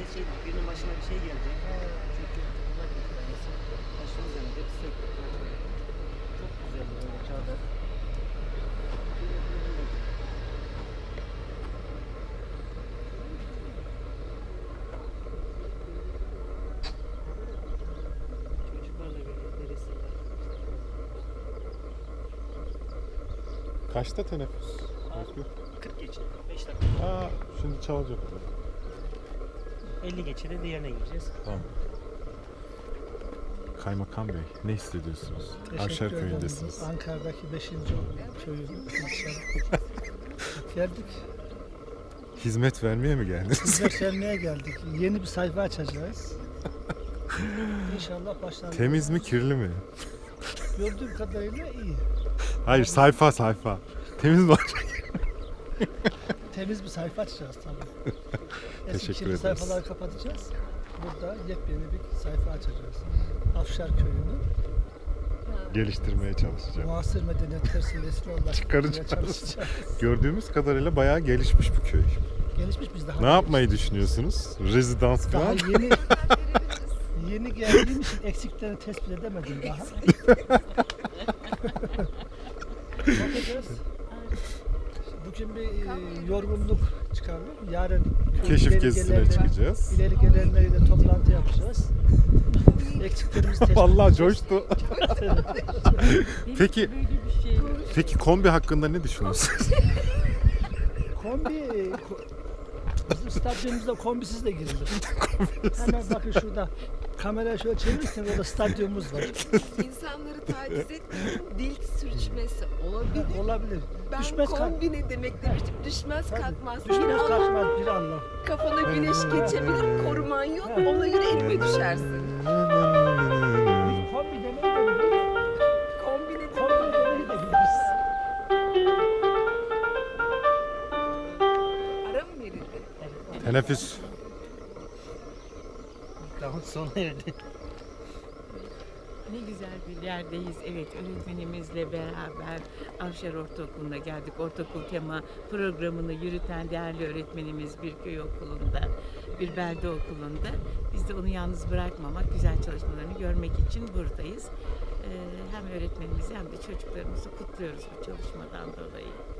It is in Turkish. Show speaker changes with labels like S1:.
S1: işte şey, birinin başına bir şey gelecek. Çünkü uzak bir tanesi. Başımız yanacak, sürekli kaçıyor. Çok güzel böyle çadır. Çocuklarla birlikte resimler.
S2: Kaçta teneffüs? Özgür?
S1: 40 geçe, 5 dakika.
S2: Aa, şimdi çalacak.
S1: 50 geçe de diğerine gireceğiz.
S2: Tamam. Kaymakam Bey, ne hissediyorsunuz?
S3: Teşekkür
S2: Avşar
S3: ederim.
S2: köyündesiniz.
S3: Ankara'daki 5. köyün geldik.
S2: Hizmet vermeye mi geldiniz?
S3: Hizmet vermeye geldik. Yeni bir sayfa açacağız. İnşallah başlarız.
S2: Temiz mi, kirli mi?
S3: Gördüğüm kadarıyla iyi.
S2: Hayır, sayfa. Temiz mi?
S3: Temiz bir sayfa açacağız tabii. Eski
S2: Teşekkür
S3: kirli
S2: ederiz.
S3: sayfaları kapatacağız. Burada yepyeni bir sayfa açacağız. Afşar köyünü
S2: Geliştirmeye çalışacağım.
S3: muasır medeniyetler seviyesine ulaştırmaya
S2: Çıkaracağız.
S3: çalışacağız.
S2: Gördüğümüz kadarıyla bayağı gelişmiş bu köy.
S3: Gelişmiş biz daha.
S2: Ne yapmayı düşünüyorsunuz? Rezidans
S3: Daha
S2: falan?
S3: yeni geldiğim için eksiklerini tespit edemedim daha. Bakacağız. Bugün bir yorgunluk çıkardım. Yarın
S2: Keşif
S3: ileri
S2: gezisine
S3: gelenler-
S2: çıkacağız.
S3: İleri gelenleriyle toplantı yapacağız. Eksiklerimizi tespit
S2: Vallahi
S3: edeceğiz.
S2: coştu. Peki, peki kombi hakkında ne düşünüyorsunuz?
S3: Bizim stadyumumuzda kombisiz de girilir. Hemen bakın şurada. Kamerayı şöyle çevirirseniz orada stadyumumuz var.
S4: İnsanları taciz etmeyin, dil sürçmesi olabilir.
S3: Olabilir.
S4: Ben
S3: Düşmez
S4: kombi ne demek demiştim, düşmez
S3: Tabii.
S4: kalkmaz.
S3: Düşmez
S4: Bir an
S3: kalkmaz bir anlam.
S4: kafana güneş geçebilir, koruman yok,
S3: Evet.
S4: ona göre elime düşersin.
S3: Biz kombi demeyi de biliriz.
S4: Kombi ne
S3: Kombi demeyi de biliriz.
S4: ara mı verildi?
S2: Teneffüs.
S1: Mikrofon sona erdi.
S5: Ne güzel bir yerdeyiz. Evet, öğretmenimizle beraber Avşar Ortaokulu'na geldik. Ortaokul tema programını yürüten değerli öğretmenimiz bir köy okulunda, bir belde okulunda. Biz de onu yalnız bırakmamak, güzel çalışmalarını görmek için buradayız. Hem öğretmenimizi hem de çocuklarımızı kutluyoruz bu çalışmadan dolayı.